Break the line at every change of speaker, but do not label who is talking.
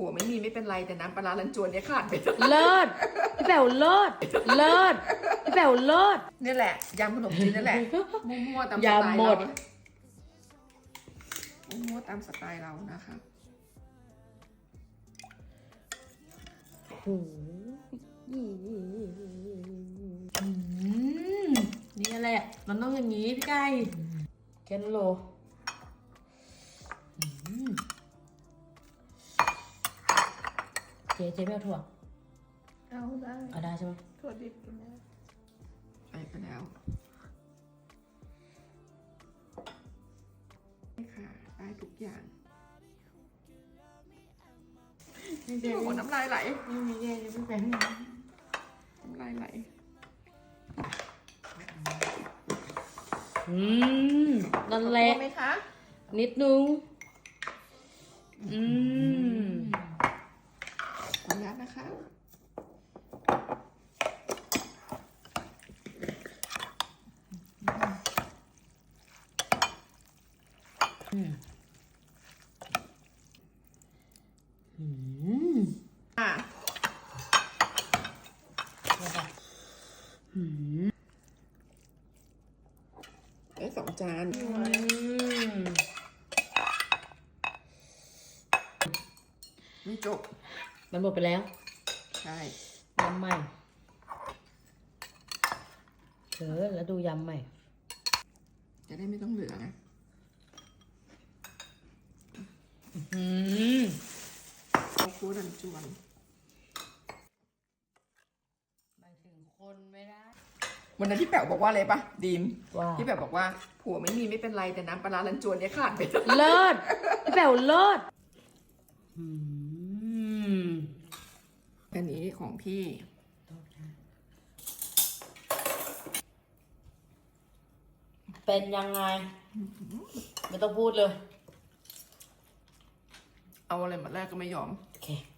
ผัวไม่มีไม่เป็นไรแต่น้ำปลาร้าลันจวนเนี่ยขาดไป
เลิศพี่แป๋วเลิศเลิศพี่แป๋วเลิศ
นี่แหละยำขนมจีนนั่นแหละมั่วๆตามสไตล์
ยำหม
เรา
ด
มั่วๆตามสไตล์เรานะคะ
โอ้นี่แหละมันต้องอย่างนี้พี่ไก่แค่นั้นโลเจ๊ไม่เอาถั่ว
เอาได้
เอาได้ใช่ไหม
ถั่วดิบกินได้ใส่ไปแล้วนี่ค่ะได้ทุกอย่างโอ้โหน้ำลายไหล
ไม่มีแย่เลยพี่แป๋ว
น้ำลายไหล
นั่นแหละ
ขอบคุณไหมคะ
นิดนึง
ขออนุญาตนะคะอ่ะได้2 จานไม่จบ
มันหมดไปแล้ว
ใช่
ยำใหม่แล้วดูยำใหม่
จะได้ไม่ต้องเหลือนะเอาคั่วดันจวน
หมายถึงคนไม่ได้
วันนั้นที่แป๋วบอกว่าอะไรปะดีม
ว่า
ที่แป๋วบอกว่าผัวไม่มีไม่เป็นไรแต่น้ำปลาร้าลันจวนเนี่ยขาดไป
เลิศพี่แป๋วเลิศ
อันนี้ของพี่
เป็นยังไง ไม่ต้องพูดเลย
เอาอะไรมาแรกก็ไม่ยอม
โอเค